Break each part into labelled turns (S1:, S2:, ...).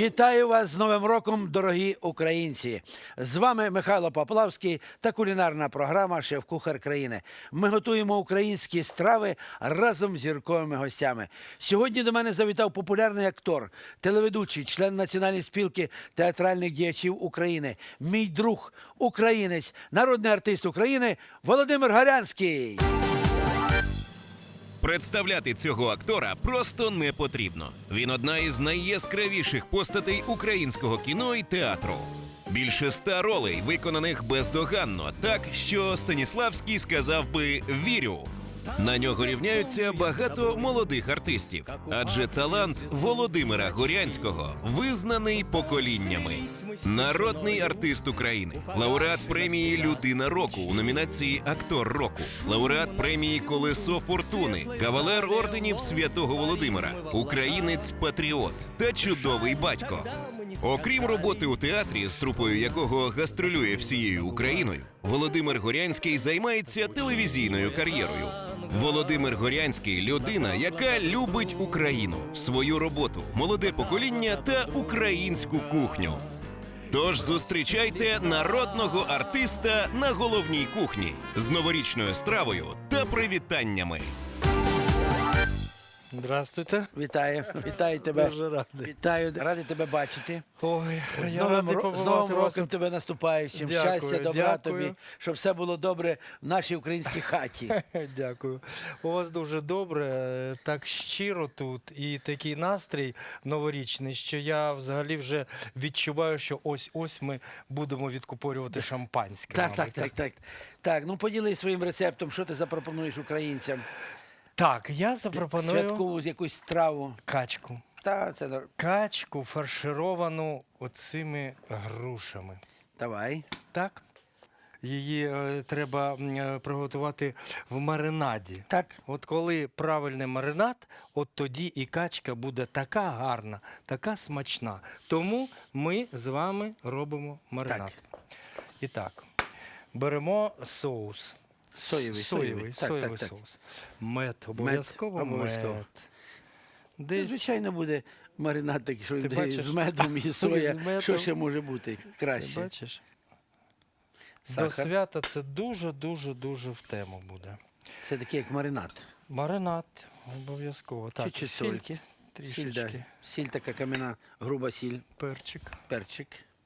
S1: Вітаю вас з Новим роком, дорогі українці! З вами Михайло Поплавський та кулінарна програма «Шеф-кухар країни». Ми готуємо українські страви разом з зірковими гостями. Сьогодні до мене завітав популярний актор, телеведучий, член Національної спілки театральних діячів України, мій друг, українець, народний артист України Володимир Горянський.
S2: Представляти цього актора просто не потрібно. Він одна із найяскравіших постатей українського кіно і театру. Більше 100 ролей, виконаних бездоганно, так, що Станіславський сказав би «вірю». На нього рівняються багато молодих артистів, адже талант Володимира Горянського визнаний поколіннями. Народний артист України, лауреат премії «Людина року» у номінації «Актор року», лауреат премії «Колесо фортуни», кавалер орденів Святого Володимира, українець-патріот та чудовий батько. Окрім роботи у театрі, з трупою якого гастролює всією Україною, Володимир Горянський займається телевізійною кар'єрою. Володимир Горянський – людина, яка любить Україну, свою роботу, молоде покоління та українську кухню. Тож зустрічайте народного артиста на головній кухні з новорічною стравою та привітаннями.
S3: Здравствуйте.
S1: Вітаю, вітаю тебе.
S3: Дуже радий.
S1: Вітаю, радий тебе бачити.
S3: Ой,
S1: З
S3: я
S1: Новим,
S3: радий
S1: з
S3: побувати
S1: Новим
S3: вас.
S1: роком тебе наступаючим.
S3: Дякую,
S1: Щастя, добра
S3: дякую.
S1: тобі, щоб все було добре в нашій українській хаті.
S3: Дякую. У вас дуже добре, так щиро тут і такий настрій новорічний, що я взагалі вже відчуваю, що ось-ось ми будемо відкупорювати шампанське.
S1: Так,
S3: мабуть.
S1: Так, ну поділись своїм рецептом, що ти запропонуєш українцям?
S3: Так, я запропоную
S1: Святкову якусь страву.
S3: качку.
S1: Та, це
S3: Качку фаршировану оцими грушами.
S1: давай.
S3: Так? Її треба приготувати в маринаді.
S1: Так.
S3: От коли правильний маринад, от тоді і качка буде така гарна, така смачна. Тому ми з вами робимо маринад. І так, беремо соус.
S1: Соєвий.
S3: Соєвий
S1: Так.
S3: соус. Мед, обов'язково
S1: обов'язково.
S3: мед.
S1: Це,
S3: Десь
S1: звичайно, буде маринад такий, що
S3: Ти
S1: йде
S3: бачиш?
S1: з медом і соя.
S3: З медом.
S1: Що ще може бути
S3: ти
S1: краще?
S3: бачиш? До
S1: Сахар.
S3: свята це дуже в тему буде.
S1: Це такий, як маринад.
S3: Маринад обов'язково. Так,
S1: Чуть-чуть
S3: сіль
S1: сольки.
S3: трішечки.
S1: Сіль, да. Сіль така кам'яна, груба сіль,
S3: Перчик.
S1: перчик.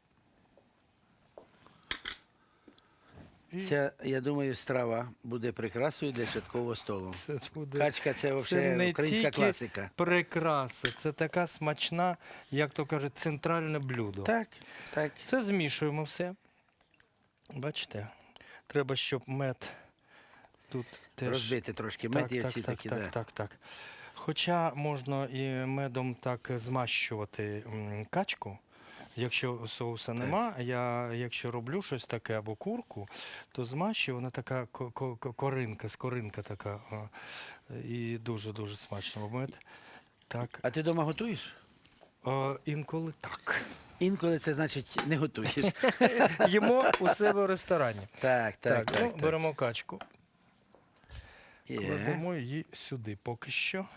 S3: І
S1: Ця, я думаю, страва буде прикрасою для святкового столу.
S3: це буде
S1: Качка – це
S3: не
S1: взагалі українська
S3: тільки
S1: класика.
S3: прикраса, це така смачна, як то кажуть, центральне блюдо.
S1: Так.
S3: Це змішуємо все. Бачите? Треба, щоб мед тут теж
S1: Розбити трошки мед і оці такі, да.
S3: так. Хоча можна і медом так змащувати качку. Якщо соуса нема, я якщо роблю щось таке або курку, то змащую, вона така скоринка така. І дуже смачно мед. Так.
S1: А ти вдома готуєш?
S3: Інколи так.
S1: Інколи це значить не готуєш.
S3: Їмо у себе в ресторані.
S1: Так.
S3: Беремо качку,
S1: Є.
S3: кладемо її сюди поки що.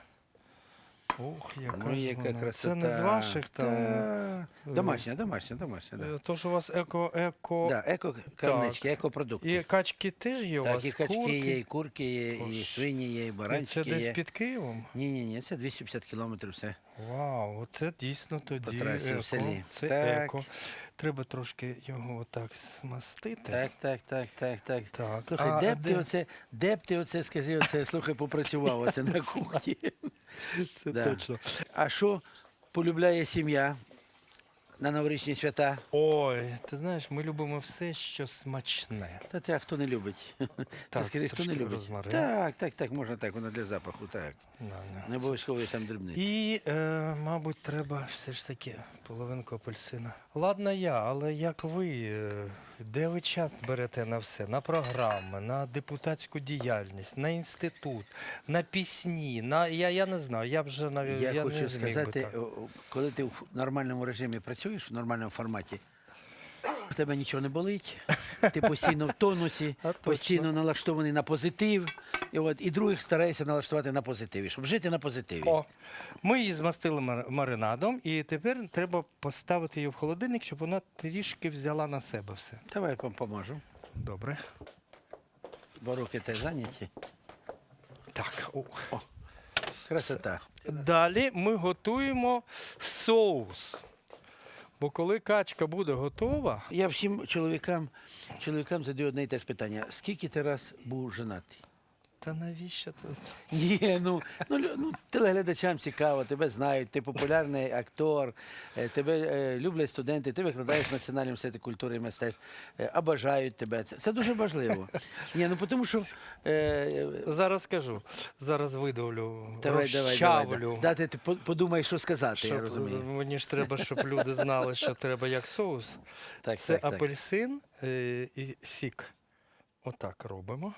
S3: Ох, яка
S1: Ну,
S3: ж
S1: яка
S3: вона.
S1: красота.
S3: Це не з ваших там.
S1: Та. Домашня. Да.
S3: То, що у вас еко.
S1: Да, еко-карнички, екопродукти.
S3: І качки теж є у
S1: Так,
S3: вас?
S1: і качки
S3: курки?
S1: є, і курки є, і
S3: Ож.
S1: свині є, і
S3: І це
S1: баранчики
S3: десь
S1: є.
S3: під Києвом?
S1: Ні, це 250 кілометрів все.
S3: Вау, оце дійсно тоді
S1: По трасі в
S3: еко.
S1: селі.
S3: Це
S1: Так.
S3: еко. Треба трошки його отак змастити.
S1: Так.
S3: Так.
S1: Слухай, де б ти оце, скажи, слухай, попрацював оце на кухні.
S3: Це
S1: Да.
S3: точно.
S1: А що полюбляє сім'я на новорічні свята?
S3: Ой, ти знаєш, ми любимо все, що смачне.
S1: Та це хто не любить? Ти
S3: Так,
S1: скажи, хто не
S3: трошки
S1: любить?
S3: розмарин.
S1: Так, можна так, воно для запаху, так. Не обов'язково там дрібнити.
S3: І, мабуть, треба все ж таки половинку апельсина. Ладно але як ви, де ви час берете на все? На програми, на депутатську діяльність, на інститут, на пісні, я не знаю, я вже навіть
S1: Я
S3: не
S1: хочу
S3: зміг би
S1: сказати,
S3: так.
S1: коли ти в нормальному режимі працюєш, в нормальному форматі, у тебе нічого не болить, ти постійно в тонусі,
S3: А точно.
S1: постійно налаштований на позитив, І других стараєшся налаштувати на позитиві, щоб жити на позитиві.
S3: О, ми її змастили маринадом, і тепер треба поставити її в холодильник, щоб вона трішки взяла на себе все.
S1: Давай я поможу,
S3: Добре.
S1: бо руки теж зайняті.
S3: Так.
S1: Красота.
S3: Далі ми готуємо соус. Бо коли качка буде готова,
S1: Я всім чоловікам задаю одне і те ж питання. Скільки ти раз був женатий?
S3: та навіщо це?
S1: Ні, телеглядачам цікаво, тебе знають, ти популярний актор, тебе люблять студенти, ти викладаєш в Національному університеті культури і мистецтв, бажають тебе. Це дуже важливо. Ні, тому що...
S3: Зараз скажу. Зараз видавлю,
S1: Давай.
S3: розчавлю.
S1: Дати ти подумай, що сказати, я розумію.
S3: Мені ж треба, щоб люди знали, що треба як соус.
S1: Так,
S3: Це
S1: так.
S3: апельсин і сік. Отак робимо.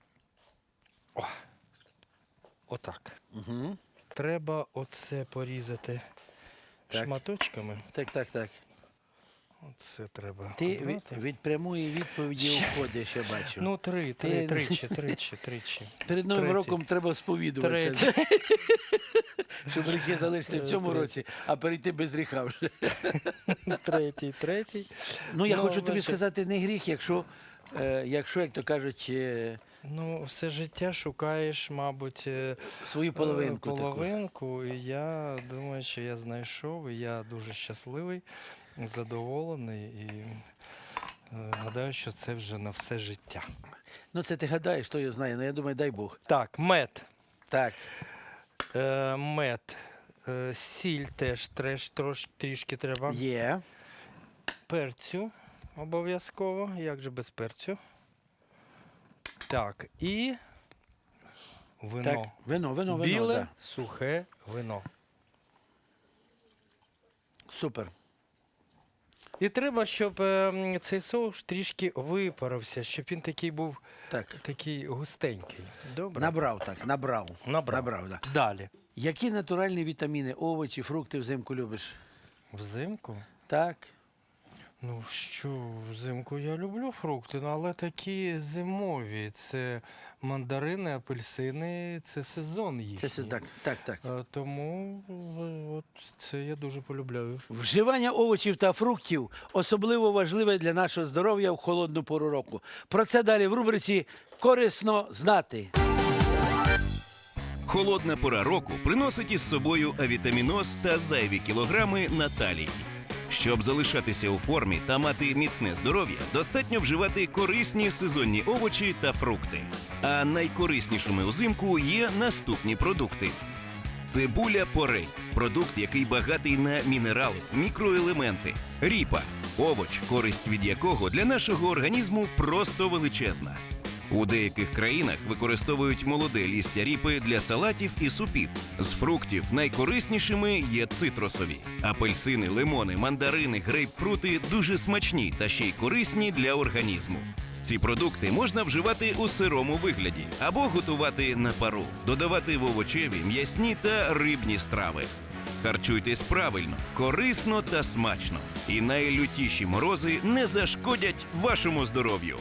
S3: Отак.
S1: Угу.
S3: Треба оце порізати
S1: Так.
S3: шматочками.
S1: Так.
S3: Оце треба.
S1: Ти
S3: обрати.
S1: від прямої відповіді уходиш, я бачу.
S3: Ну,
S1: Ти-
S3: тричі.
S1: Перед Новим
S3: третій.
S1: роком треба сповідуватися, щоб гріхи залишити в цьому
S3: Третій.
S1: році, а перейти без гріха вже.
S3: Третій.
S1: Я хочу тобі
S3: бачиш,
S1: сказати, не гріх, якщо, як то кажуть,
S3: все життя шукаєш, мабуть,
S1: свою половинку. таку.
S3: половинку. І я думаю, що я знайшов, і я дуже щасливий, задоволений. І гадаю, що це вже на все життя.
S1: Це ти гадаєш, хто його знає, я думаю, дай Бог.
S3: Так, мед.
S1: Так,
S3: Мед. Сіль теж трішки треба.
S1: є.
S3: Перцю обов'язково. Як же без перцю? Так, і вино.
S1: Так, вино,
S3: Біле,
S1: да.
S3: сухе вино.
S1: Супер.
S3: І треба, щоб цей соус трішки випарився, щоб він такий був
S1: Так.
S3: такий густенький. Добре?
S1: Набрав.
S3: Набрав.
S1: Да.
S3: Далі.
S1: Які натуральні вітаміни, овочі, фрукти взимку любиш?
S3: Взимку?
S1: Так.
S3: Ну що, взимку я люблю фрукти, але такі зимові. Це мандарини, апельсини, це сезон їхній.
S1: Це так.
S3: Тому от це я дуже полюбляю.
S1: Вживання овочів та фруктів особливо важливе для нашого здоров'я в холодну пору року. Про це далі в рубриці «Корисно знати».
S2: Холодна пора року приносить із собою авітаміноз та зайві кілограми на талії. Щоб залишатися у формі та мати міцне здоров'я, достатньо вживати корисні сезонні овочі та фрукти. А найкориснішими узимку є наступні продукти. Цибуля порей – продукт, який багатий на мінерали, мікроелементи. Ріпа – овоч, користь від якого для нашого організму просто величезна. У деяких країнах використовують молоде лістя ріпи для салатів і супів. З фруктів найкориснішими є цитрусові. Апельсини, лимони, мандарини, грейпфрути дуже смачні та ще й корисні для організму. Ці продукти можна вживати у сирому вигляді або готувати на пару, додавати в овочеві, м'ясні та рибні страви. Харчуйтесь правильно, корисно та смачно. І найлютіші морози не зашкодять вашому здоров'ю.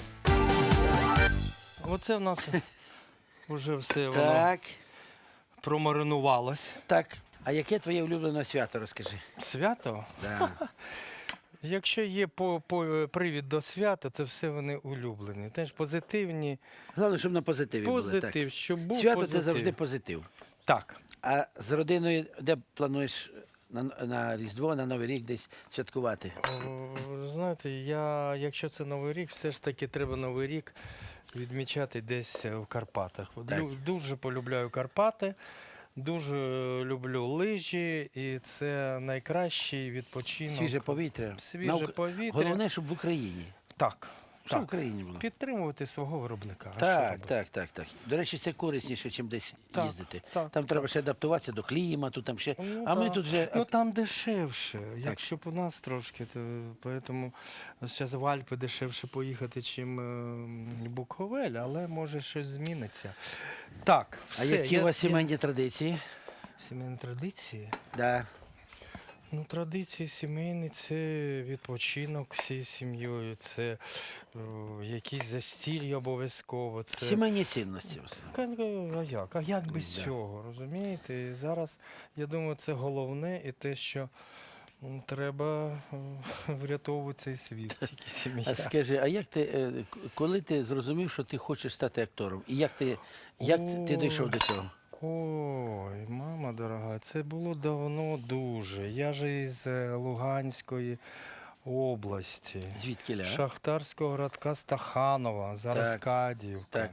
S3: Оце в нас вже все воно
S1: Так.
S3: промаринувалось.
S1: Так. А яке твоє улюблене свято, розкажи?
S3: Свято?
S1: Да.
S3: Якщо є привід до свята, то все вони улюблені. Теж позитивні.
S1: Головне, щоб на позитиві були.
S3: Позитив, щоб був
S1: Свято
S3: позитив.
S1: це завжди позитив.
S3: Так.
S1: А з родиною де плануєш на Різдво, на Новий рік десь святкувати?
S3: Знаєте, якщо це Новий рік, все ж таки треба Новий рік відмічати десь в Карпатах.
S1: Так.
S3: Дуже полюбляю Карпати, дуже люблю лижі, і це найкращий відпочинок.
S1: Свіже повітря.
S3: Свіже повітря.
S1: Головне, щоб в Україні.
S3: Так.
S1: Щоб в
S3: Так.
S1: Україні було.
S3: Підтримувати свого виробника. А що робити?
S1: Так. До речі, це корисніше, ніж десь
S3: Так,
S1: їздити.
S3: так,
S1: Там треба ще адаптуватися до клімату, там ще.
S3: Ну,
S1: А ми
S3: так.
S1: тут вже.
S3: Ну там дешевше. Якщо б у нас трошки, то поэтому зараз в Альпи дешевше поїхати, чим Буковель, але може щось зміниться. Так,
S1: А
S3: все.
S1: які у вас сімейні традиції?
S3: Сімейні традиції?
S1: Да.
S3: Ну, традиції сімейні – це відпочинок всією сім'єю, це якісь застілля обов'язково. Це...
S1: Сімейні цінності.
S3: А як? А як без
S1: Да.
S3: цього, розумієте? І зараз, я думаю, це головне і те, що треба врятовувати цей світ, тільки сім'я.
S1: А скажи, а як ти, коли ти зрозумів, що ти хочеш стати актором? І як ти дійшов до цього?
S3: Ой, мама дорога, це було давно дуже. Я ж із Луганської області.
S1: Звідкіля?
S3: Шахтарського городка Стаханова, зараз
S1: Так,
S3: Кадіївка.
S1: Так.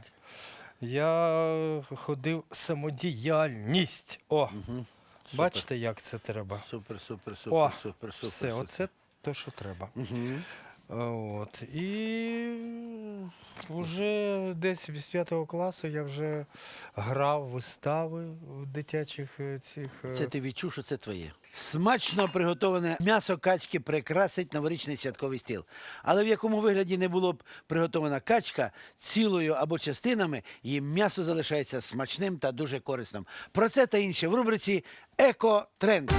S3: Я ходив самодіяльність. О,
S1: Угу.
S3: бачите, як це треба?
S1: Супер.
S3: О,
S1: Супер.
S3: Все, оце те, що треба.
S1: Угу.
S3: От. І вже десь з 5 класу я вже грав вистави в дитячих цих.
S1: Це ти відчув, що це твоє. Смачно приготоване м'ясо качки прикрасить новорічний святковий стіл. Але в якому вигляді не було б приготована качка, цілою або частинами, її м'ясо залишається смачним та дуже корисним. Про це та інше в рубриці «Еко-тренд».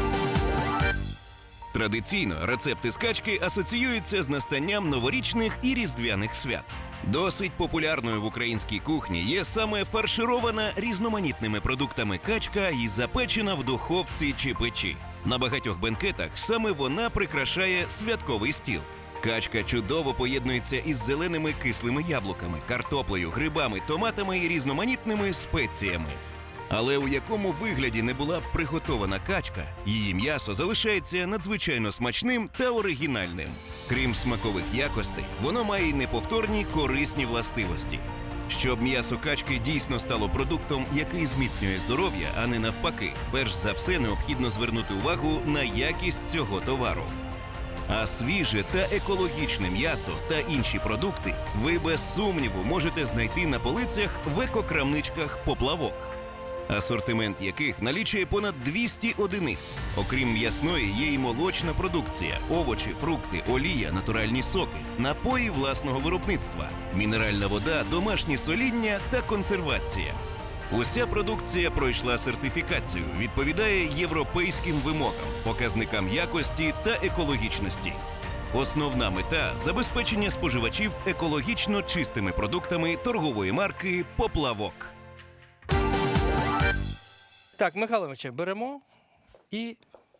S2: Традиційно рецепти з качки асоціюються з настанням новорічних і різдвяних свят. Досить популярною в українській кухні є саме фарширована різноманітними продуктами качка і запечена в духовці чи печі. На багатьох бенкетах саме вона прикрашає святковий стіл. Качка чудово поєднується із зеленими кислими яблуками, картоплею, грибами, томатами і різноманітними спеціями. Але у якому вигляді не була б приготована качка, її м'ясо залишається надзвичайно смачним та оригінальним. Крім смакових якостей, воно має й неповторні корисні властивості. Щоб м'ясо качки дійсно стало продуктом, який зміцнює здоров'я, а не навпаки, перш за все необхідно звернути увагу на якість цього товару. А свіже та екологічне м'ясо та інші продукти ви без сумніву можете знайти на полицях в екокрамничках «Поплавок», асортимент яких налічує понад 200 одиниць. Окрім м'ясної, є й молочна продукція, овочі, фрукти, олія, натуральні соки, напої власного виробництва, мінеральна вода, домашні соління та консервація. Уся продукція пройшла сертифікацію, відповідає європейським вимогам, показникам якості та екологічності. Основна мета – забезпечення споживачів екологічно чистими продуктами торгової марки «Поплавок».
S3: Так, Михайло Іванович, беремо і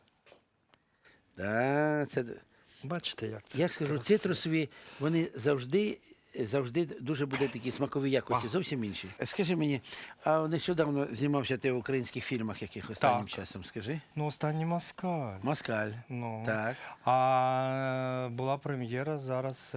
S1: Да, це...
S3: бачите, як це.
S1: Я скажу,
S3: красиво.
S1: цитрусові, вони завжди дуже будуть такі смакові якості, зовсім інші. Скажи мені, а нещодавно знімався ти в українських фільмах, яких останнім
S3: Так.
S1: часом, скажи?
S3: Ну, останній Москаль.
S1: Москаль.
S3: Ну.
S1: Так.
S3: А була прем'єра зараз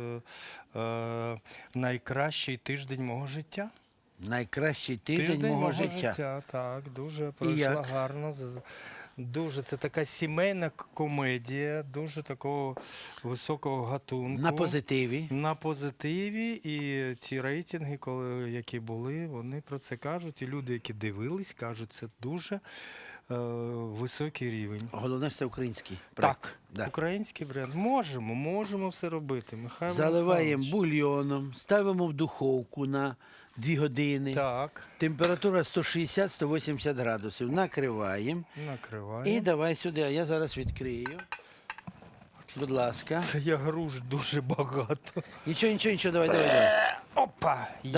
S3: найкращий тиждень мого життя.
S1: Найкращий тиждень мого життя.
S3: Так, дуже пройшла
S1: як?
S3: гарно. Дуже це така сімейна комедія, дуже такого високого гатунку.
S1: На позитиві.
S3: На позитиві, і ті рейтинги, які були, вони про це кажуть. І люди, які дивились, кажуть, це дуже високий рівень.
S1: Головне, що це український проект.
S3: Так,
S1: Да.
S3: український бренд. Можемо все робити. Михайло
S1: Заливаємо
S3: Михайлович.
S1: бульйоном, ставимо в духовку на 2 години.
S3: Так,
S1: Температура 160-180 градусів. Накриваємо.
S3: накриваємо.
S1: І давай сюди, а я зараз відкрию. Будь ласка.
S3: Це я груш дуже багато.
S1: Нічого, давай.
S3: Опа! Є.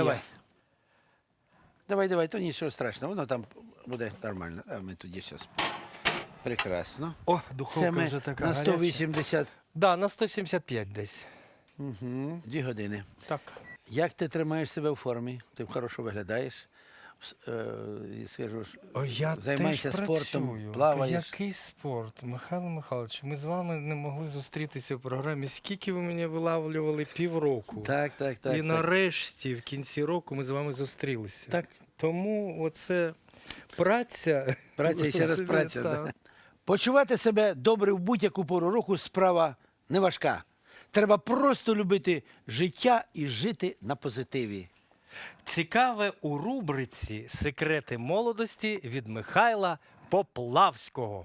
S1: Давай, то нічого страшного, воно там буде нормально. А ми тоді зараз. Прекрасно.
S3: О,
S1: Це
S3: духовка
S1: ми
S3: вже така
S1: на
S3: гаряча.
S1: 180,
S3: Да, на 175 десь.
S1: 2 години.
S3: Так.
S1: Як ти тримаєш себе в формі? Ти хорошо виглядаєш. І скажу,
S3: О, я
S1: займайся
S3: теж
S1: спортом,
S3: працюю.
S1: плаваєш.
S3: Який спорт? Михайло Михайлович, ми з вами не могли зустрітися в програмі. Скільки ви мене вилавлювали? Півроку.
S1: Так.
S3: І нарешті, в кінці року, ми з вами зустрілися.
S1: Так.
S3: Тому оце праця.
S1: Праця і ще раз праця.
S3: Так.
S1: Да. Почувати себе добре в будь-яку пору року справа не важка. Треба просто любити життя і жити на позитиві.
S3: Цікаве у рубриці «Секрети молодості» від Михайла Поплавського.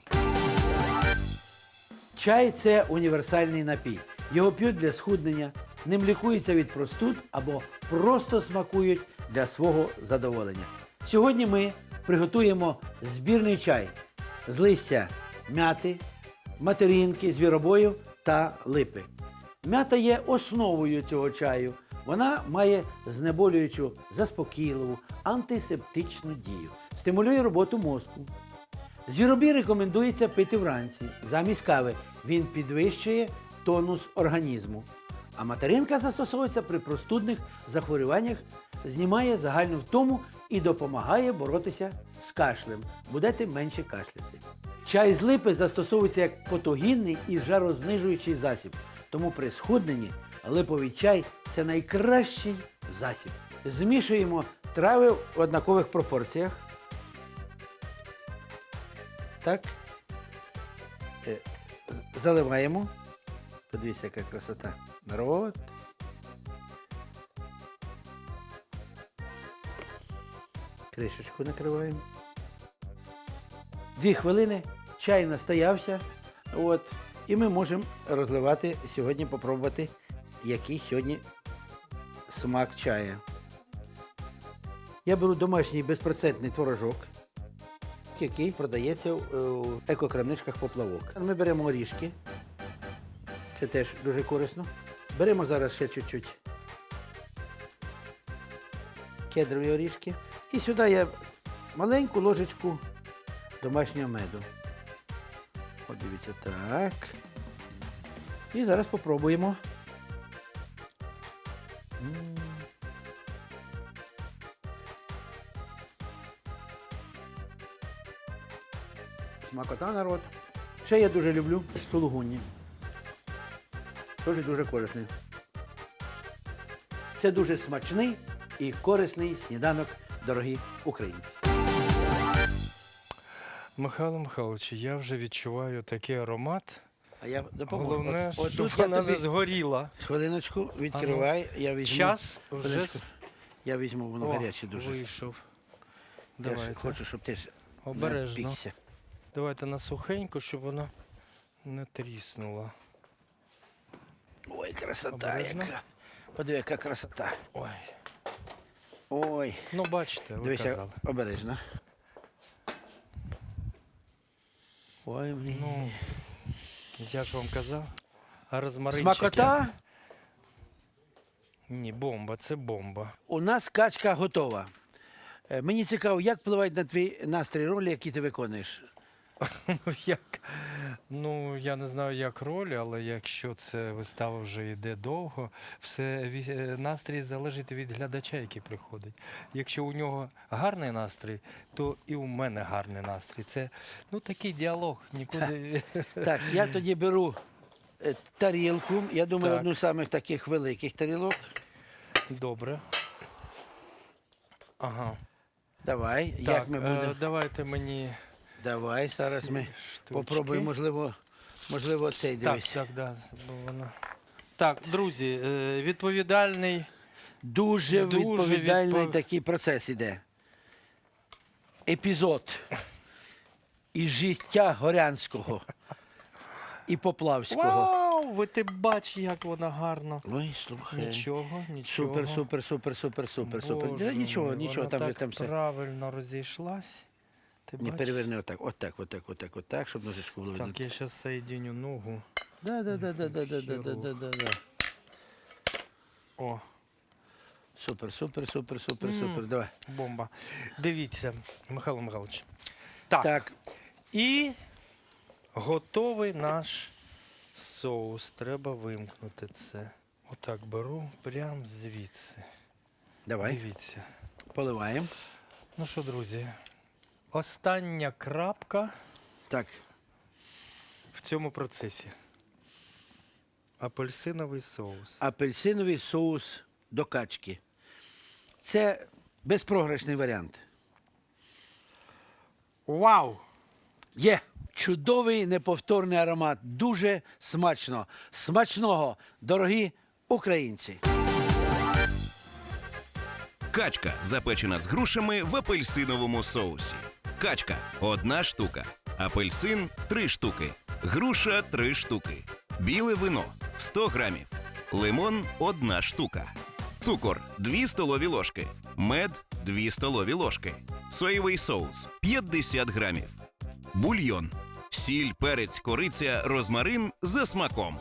S1: Чай – це універсальний напій. Його п'ють для схуднення, ним лікуються від простуд або просто смакують для свого задоволення. Сьогодні ми приготуємо збірний чай з листя мяти, материнки, звіробою та липи. М'ята є основою цього чаю. Вона має знеболюючу, заспокійливу, антисептичну дію, стимулює роботу мозку. Звіробій рекомендується пити вранці, замість кави. Він підвищує тонус організму. А материнка застосовується при простудних захворюваннях, знімає загальну втому і допомагає боротися з кашлем. Будете менше кашляти. Чай з липи застосовується як потогінний і жарознижуючий засіб. Тому при схудненні липовий чай – це найкращий засіб. Змішуємо трави в однакових пропорціях. Так. Заливаємо. Подивіться, яка красота. Народ. Кришечку накриваємо. 2 хвилини, чай настоявся. От. І ми можемо розливати сьогодні, попробувати, який сьогодні смак чая. Я беру домашній безпроцентний творожок, який продається в екокрамничках «Поплавок». Ми беремо орішки. Це теж дуже корисно. Беремо зараз ще чуть-чуть кедрові орішки. І сюди я маленьку ложечку домашнього меду. От дивіться, так. І зараз попробуємо. Смакота, народ. Ще я дуже люблю сулугунні. Теж дуже корисний. Це дуже смачний і корисний сніданок, дорогі українці.
S3: Михайло Михайлович, я вже відчуваю такий аромат.
S1: А я допоможу.
S3: Головне,
S1: От
S3: щоб
S1: тут я
S3: вона не
S1: тобі
S3: згоріла.
S1: хвилиночку відкривай. Я візьму.
S3: Час вже
S1: Хвилиночку. Я візьму, воно гаряче дуже.
S3: вийшов.
S1: Я ж
S3: Давайте.
S1: хочу, щоб ти ж
S3: Обережно.
S1: не пікся.
S3: Давайте на сухеньку, щоб вона не тріснула.
S1: Ой, красота
S3: Обережно.
S1: яка. Подиви, яка красота.
S3: Ой.
S1: Ой.
S3: Ну, бачите, ви
S1: Дивися,
S3: казали.
S1: обережно. Ой, мені.
S3: Ну, я ж вам казав. А розмаринчик...
S1: Смакота.
S3: Ні, бомба, це бомба.
S1: У нас качка готова. Мені цікаво, як впливають на твій настрій ролі, які ти виконуєш?
S3: Ну, як? Ну, я не знаю, як роль, але якщо це вистава вже йде довго, настрій залежить від глядача, який приходить. Якщо у нього гарний настрій, то і у мене гарний настрій. Це, ну, такий діалог, нікуди...
S1: Так, я тоді беру тарілку, я думаю,
S3: Так.
S1: одну з самих таких великих тарілок.
S3: Добре. Ага.
S1: Давай,
S3: Так,
S1: як ми будемо?
S3: давайте мені...
S1: Давай, зараз ми
S3: штучки.
S1: попробуємо, можливо, цей дивись.
S3: Так, бо вона... Так, друзі, відповідальний...
S1: Дуже
S3: Дуже
S1: відповідальний такий процес іде. Епізод із життя Горянського і Поплавського.
S3: Вау! Ви ти бач, як вона гарно.
S1: Ой, слухай.
S3: Нічого, нічого.
S1: Супер.
S3: Боже
S1: Нічого,
S3: мій,
S1: нічого,
S3: вона
S1: там
S3: так
S1: все.
S3: правильно розійшлась. Ти
S1: Не
S3: бач?
S1: переверни отак, щоб ножичку було видно.
S3: Так, я зараз соєдиню ногу.
S1: Да.
S3: О,
S1: Супер. Давай.
S3: бомба. Дивіться, Михайло Михайлович. Так,
S1: Так,
S3: і готовий наш соус. Треба вимкнути це. Отак беру, прямо звідси.
S1: давай,
S3: Дивіться.
S1: поливаємо.
S3: Ну що, друзі, остання крапка
S1: Так,
S3: в цьому процесі. Апельсиновий соус.
S1: апельсиновий соус до качки. Це безпрограшний варіант.
S3: Вау!
S1: Є чудовий неповторний аромат. Дуже смачно. Смачного, дорогі українці.
S2: Качка, запечена з грушами в апельсиновому соусі. Качка – 1 штука. Апельсин – 3 штуки. Груша – 3 штуки. Біле вино – 100 грамів. Лимон – 1 штука. Цукор – 2 столові ложки. Мед – 2 столові ложки. Соєвий соус – 50 грамів. Бульйон – Сіль, перець, кориця, розмарин за смаком.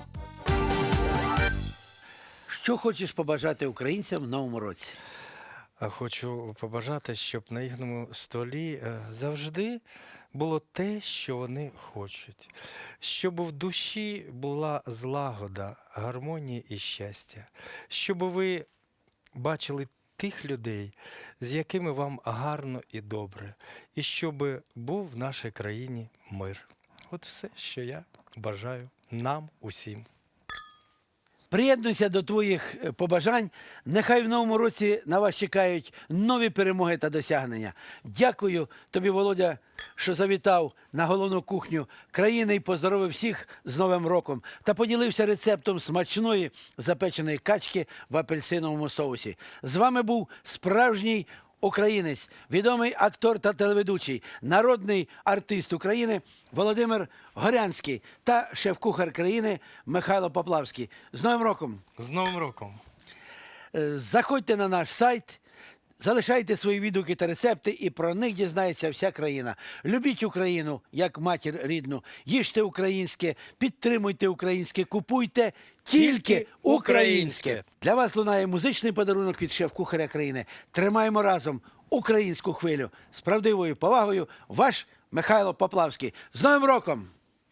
S1: Що хочеш побажати українцям в новому році?
S3: Хочу побажати, щоб на їхньому столі завжди було те, що вони хочуть. Щоб в душі була злагода, гармонія і щастя. Щоб ви бачили тих людей, з якими вам гарно і добре. І щоб був в нашій країні мир. От все, що я бажаю нам усім.
S1: Приєднуйся до твоїх побажань. Нехай в новому році на вас чекають нові перемоги та досягнення. Дякую тобі, Володя, що завітав на головну кухню країни і поздоровив всіх з Новим роком та поділився рецептом смачної запеченої качки в апельсиновому соусі. З вами був справжній українець, відомий актор та телеведучий, народний артист України Володимир Горянський та шеф-кухар країни Михайло Поплавський. З Новим роком!
S3: З Новим роком!
S1: Заходьте на наш сайт, залишайте свої відгуки та рецепти, і про них дізнається вся країна. Любіть Україну, як матір рідну, їжте українське, підтримуйте українське, купуйте тільки українське. Для вас лунає музичний подарунок від шеф-кухаря країни. Тримаємо разом українську хвилю. З правдивою повагою, ваш Михайло Поплавський. З Новим роком!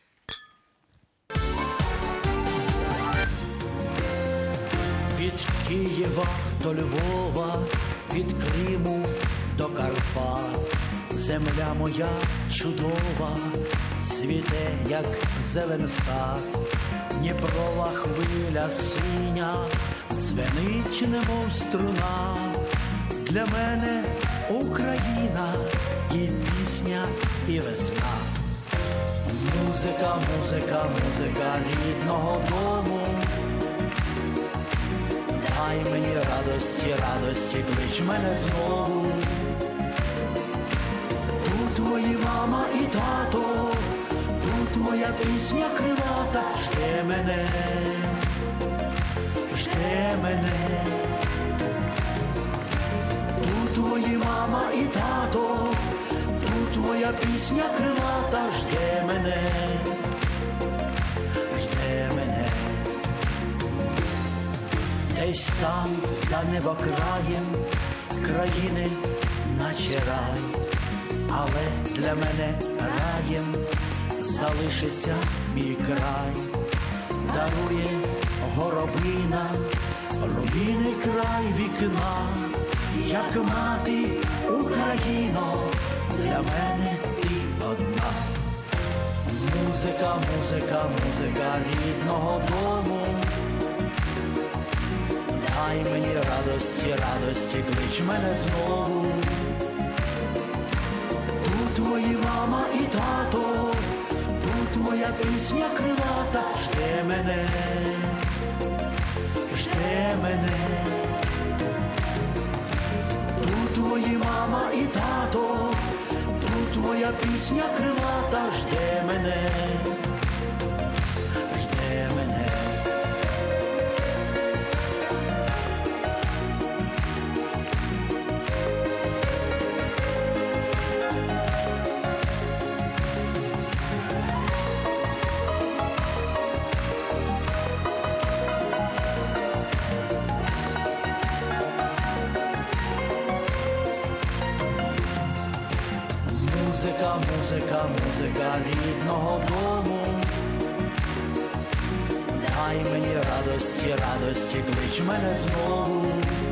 S4: Від Києва до Львова, від Криму до Карпат, земля моя чудова, цвіте, як зелен сад, Дніпрова хвиля синя, дзвенить, немов струна. Для мене Україна і пісня, і весна. Музика, музика, музика рідного дому. Дай мені радості, радості, клич мене знову. Тут твої мама і тато, тут моя пісня крилата. Жде мене, жде мене. Тут твої мама і тато, тут моя пісня крилата. Жде мене, жде мене. Десь там, за небокраєм, країни наче рай, але для мене раєм залишиться мій край. Дарує горобина, рубіний край вікна, як мати Україно, для мене ти одна. Музика, музика, музика рідного дому. Дай мені радості, радості, клич мене знову. Тут твої мама і тато, тут моя пісня крилата. Жде мене, жде мене. Тут твої мама і тато, тут моя пісня крилата. Жде мене, жде мене. Музика, музика, музика рідного дому. Дай мені радості, радості, клич мене знову.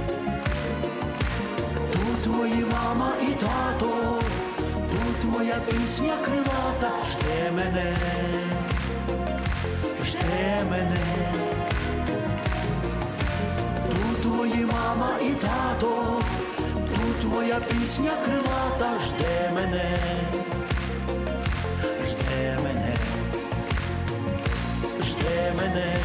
S4: Тут твої мама і тато, тут моя пісня крилата. Жде мене, жде мене. Тут твої мама і тато, тут моя пісня крилата. Жде мене, жде мене, жде мене.